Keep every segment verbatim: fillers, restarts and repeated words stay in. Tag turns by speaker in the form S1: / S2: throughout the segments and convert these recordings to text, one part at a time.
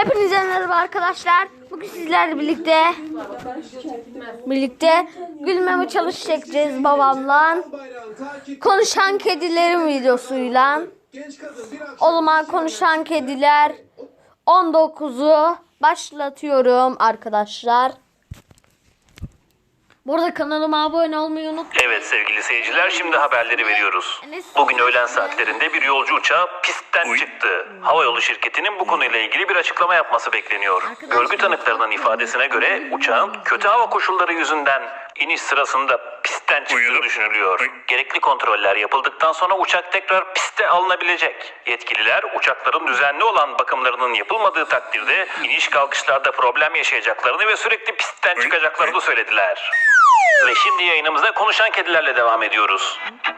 S1: Hepinize merhaba arkadaşlar. Bugün sizlerle birlikte birlikte gülmeme çalış çekeceğiz babamla. Konuşan kedilerin videosuyla. O zaman konuşan kediler on dokuzu başlatıyorum arkadaşlar. Bu arada kanalıma abone olmayı unutmayın.
S2: Evet sevgili seyirciler, şimdi haberleri veriyoruz. Bugün öğlen saatlerinde bir yolcu uçağı pistten çıktı. Havayolu şirketinin bu konuyla ilgili bir açıklama yapması bekleniyor. Görgü tanıklarının ifadesine göre uçağın kötü hava koşulları yüzünden iniş sırasında pistten çıktığı düşünülüyor. Gerekli kontroller yapıldıktan sonra uçak tekrar piste alınabilecek. Yetkililer uçakların düzenli olan bakımlarının yapılmadığı takdirde iniş kalkışlarda problem yaşayacaklarını ve sürekli pistten çıkacaklarını söylediler. Ve şimdi yayınımıza konuşan kedilerle devam ediyoruz.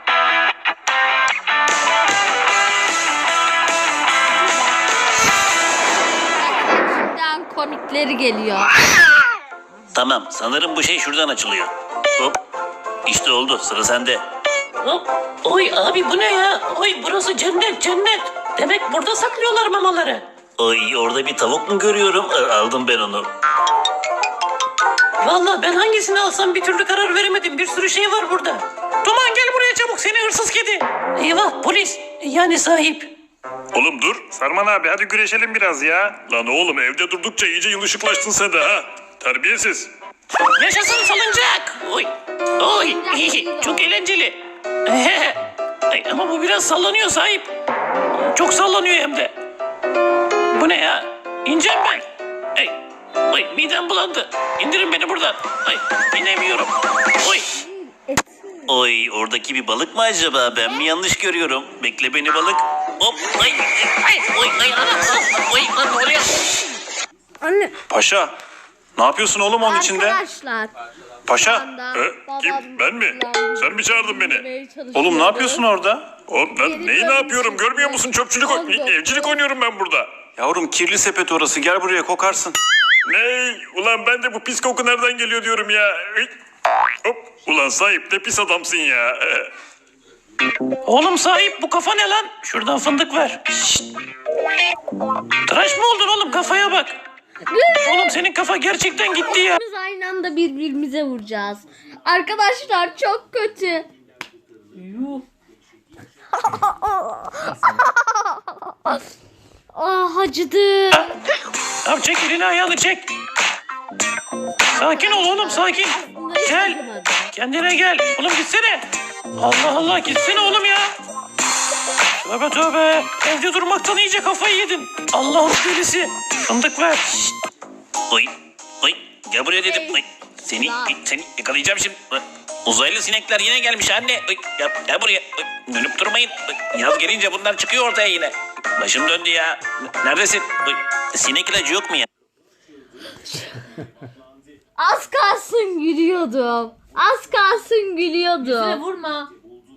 S1: Şimdiden komikleri geliyor.
S2: Tamam, sanırım bu şey şuradan açılıyor. Hop, işte oldu, sıra sende.
S3: Hop. Oy abi bu ne ya? Oy burası cennet cennet. Demek burada saklıyorlar mamaları.
S2: Ay, orada bir tavuk mu görüyorum? Aldım ben onu.
S3: Vallahi ben hangisini alsam bir türlü karar veremedim. Bir sürü şey var burada. Duman gel buraya çabuk seni hırsız kedi. Eyvah polis. Yani sahip.
S4: Oğlum dur. Sarman abi hadi güreşelim biraz ya. Lan oğlum evde durdukça iyice yılışıklaştın sen de ha. Terbiyesiz.
S3: Yaşasın salıncak. Oy. Oy. Çok eğlenceli. Ay, ama bu biraz sallanıyor sahip. Çok sallanıyor hem de. Bu ne ya? İneceğim ben. Ay. Ay midem bulandı. İndirin beni buradan. Ay inemiyorum. Oy.
S2: Oy, oradaki bir balık mı acaba? Ben mi yanlış görüyorum? Bekle beni balık. Hop, ay,
S3: Ay oy ay anam. Oy lan ne oluyor?
S1: Anne.
S4: Paşa. Ne yapıyorsun oğlum onun içinde?
S1: Arkadaşlar.
S4: Paşa.
S1: anda
S4: E,
S1: babam
S4: kim? Ben mi?
S1: kullandığı
S4: Sen mi çağırdın beni?
S1: çalışıyordu.
S4: Oğlum ne yapıyorsun orada? Oğlum ben
S1: Geri
S4: neyi ne
S1: dönmüş.
S4: yapıyorum? Görmüyor musun? Çöpçülük,
S1: Oldu.
S4: evcilik oynuyorum ben burada. Yavrum kirli sepet orası. Gel buraya kokarsın. Ne? Ulan ben de bu pis koku nereden geliyor diyorum ya. Ay. Hop. Ulan sahip de pis adamsın ya.
S3: Oğlum sahip bu kafa ne lan? Şuradan fındık ver. Şşt. Tıraş mı oldun oğlum kafaya bak. Oğlum senin kafa gerçekten gitti ya.
S1: Biz aynı anda birbirimize vuracağız. Arkadaşlar çok kötü. Ah acıdı.
S3: Abi çek elini ayağını çek. Sakin ol oğlum sakin. Gel. Kendine gel. Oğlum gitsene. Allah Allah gitsene oğlum ya. Tövbe tövbe. Evde durmaktan iyice kafayı yedin. Allah'ın delisi. Fındık ver. Şşt.
S2: oy, oy. Gel buraya dedim. Oy. Seni, seni yakalayacağım şimdi. Uzaylı sinekler yine gelmiş anne. Oy, gel, gel buraya. Oy, dönüp durmayın. Oy, yaz gelince bunlar çıkıyor ortaya yine. Başım döndü ya. Neredesin? Oy, sinek ilacı yok mu ya?
S1: Az kalsın gülüyordum. Az kalsın gülüyordum.
S5: Vurma.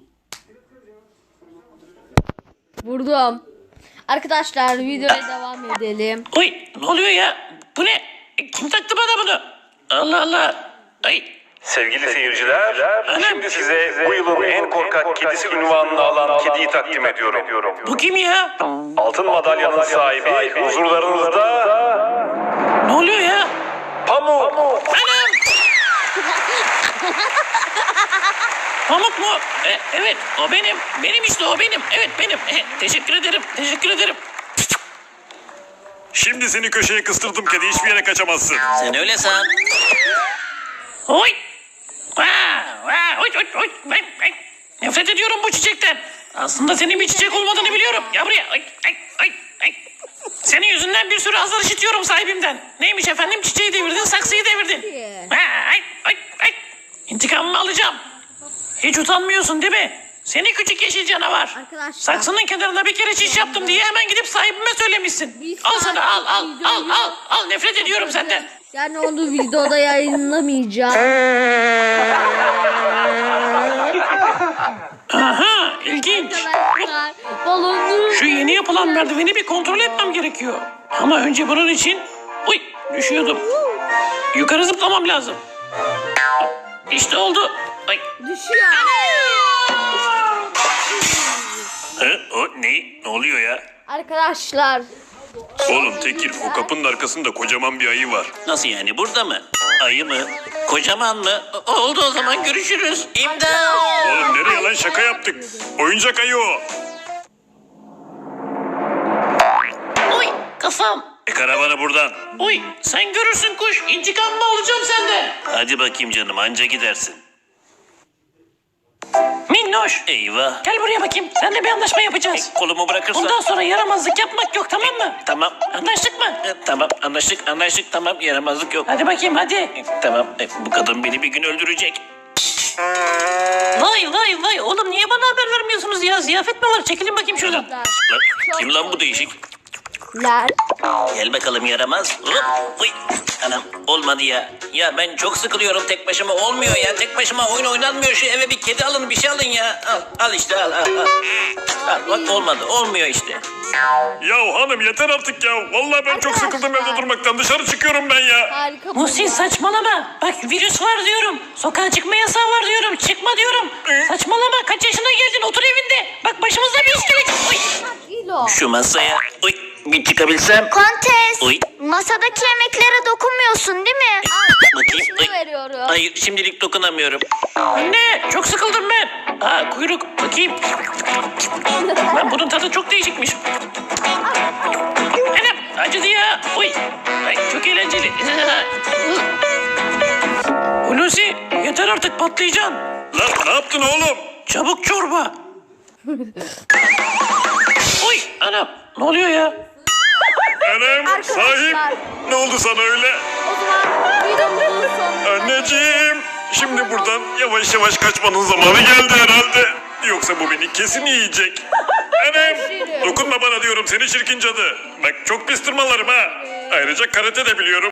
S1: Vurdum. Arkadaşlar videoya devam edelim.
S3: Oy ne oluyor ya? Bu ne? Kim taktı bana bunu? Allah Allah. Ay.
S2: Sevgili seyirciler,
S3: Anam.
S2: şimdi size bu yılın en korkak kedisi unvanını alan kediyi takdim ediyorum.
S3: Bu kim ya?
S2: Altın madalyanın sahibi huzurlarınızda
S3: Ne oluyor ya?
S2: Pamuk.
S3: Anam! Pamuk mu? E, evet o benim. Benim işte o benim. Evet benim. E, teşekkür ederim. Teşekkür ederim.
S4: Şimdi seni köşeye kıstırdım kedi. Hiçbir yere kaçamazsın.
S2: Sen öyle san.
S3: Oy! Vaa! Vaa! Oy! Oy! Oy! Ay, ay. Nefret ediyorum bu çiçekten. Aslında senin bir çiçek olmadığını biliyorum. Ya buraya. Ay! Ay! Ay! Ay! Senin yüzünden bir sürü azar işitiyorum sahibimden. Neymiş efendim? Çiçeği devirdin, saksıyı devirdin. Vaa! Ay! Ay! Ay! İntikamımı alacağım. Hiç utanmıyorsun değil mi? Seni küçük yeşil canavar.
S1: Arkadaşlar.
S3: Saksının kenarına bir kere çiş yaptım diye hemen gidip sahibime söylemişsin.
S1: Bir
S3: Al sana al al
S1: saat
S3: al
S1: videoyu-
S3: al al nefret ediyorum senden.
S1: Yani onu videoda yayınlamayacağım.
S3: Aha ilginç.
S1: Arkadaşlar balonu.
S3: Şu yeni yapılan merdiveni bir kontrol etmem gerekiyor. Ama önce bunun için... Uy düşüyordum. Yukarı zıplamam lazım. İşte oldu. Ay.
S1: Düşüyor.
S4: He? O ne? Ne oluyor ya?
S1: Arkadaşlar
S4: Oğlum Tekir, o kapının arkasında kocaman bir ayı var.
S3: Nasıl yani, burada mı? Ayı mı? Kocaman mı? O- oldu o zaman, görüşürüz. İmdat!
S4: Oğlum nereye lan, şaka yaptık. Oyuncak ayı o.
S3: Oy kafam.
S4: E karavanı buradan.
S3: Oy sen görürsün kuş. İntikamımı alacağım senden. Hadi bakayım canım, anca gidersin. Minnoş. Eyvah. Gel buraya bakayım. Seninle bir anlaşma yapacağız. kolumu bırakırsan. Bundan sonra yaramazlık yapmak yok, tamam mı? Tamam. Anlaştık mı? tamam anlaştık anlaştık tamam, yaramazlık yok. Hadi bakayım hadi. tamam e, bu kadın beni bir gün öldürecek. Vay vay vay oğlum, niye bana haber vermiyorsunuz ya? Ziyafet mi var? Çekilin bakayım şuradan. Lan, kim lan bu değişik?
S1: Ler.
S3: Gel bakalım yaramaz. Hop, uy. Anam olmadı ya. Ya ben çok sıkılıyorum tek başıma, olmuyor ya. Tek başıma oyun oynanmıyor, şu eve bir kedi alın, bir şey alın ya. Al, al işte al al al. Al, bak olmadı, olmuyor işte.
S4: Ya hanım yeter artık ya. Vallahi ben çok sıkıldım evde durmaktan. Dışarı çıkıyorum ben ya.
S1: Harika.
S3: Muhsin saçmalama. Bak virüs var diyorum. Sokağa çıkma yasağı var diyorum. Çıkma diyorum. Saçmalama, kaç yaşına geldin, otur evinde. Bak başımıza bir iş gelecek. Uy.
S1: Kilo.
S3: Şu masaya uy, bir çıkabilsem.
S5: Kontes,
S3: Uy.
S5: masadaki yemeklere dokunmuyorsun değil mi?
S3: Bakayım.
S1: Şunu
S3: Uy.
S1: veriyorum.
S3: Hayır, şimdilik dokunamıyorum. Anne çok sıkıldım ben. Aa kuyruk, bakayım. Lan bunun tadı çok değişikmiş. Anam acıdı ya. Uy. Ay, çok eğlenceli. Hulusi yeter artık, patlayacaksın.
S4: Lan ne yaptın oğlum?
S3: Çabuk çorba. Uy anam ne oluyor ya?
S4: Anam sahip. Ne oldu sana öyle?
S1: O zaman videomuzun sonuna.
S4: Anneciğim. Şimdi buradan yavaş yavaş kaçmanın zamanı geldi herhalde. Yoksa bu beni kesin yiyecek. Anam dokunma bana diyorum seni çirkin cadı. Bak çok pis tırmalarım ha. Ayrıca karate de biliyorum.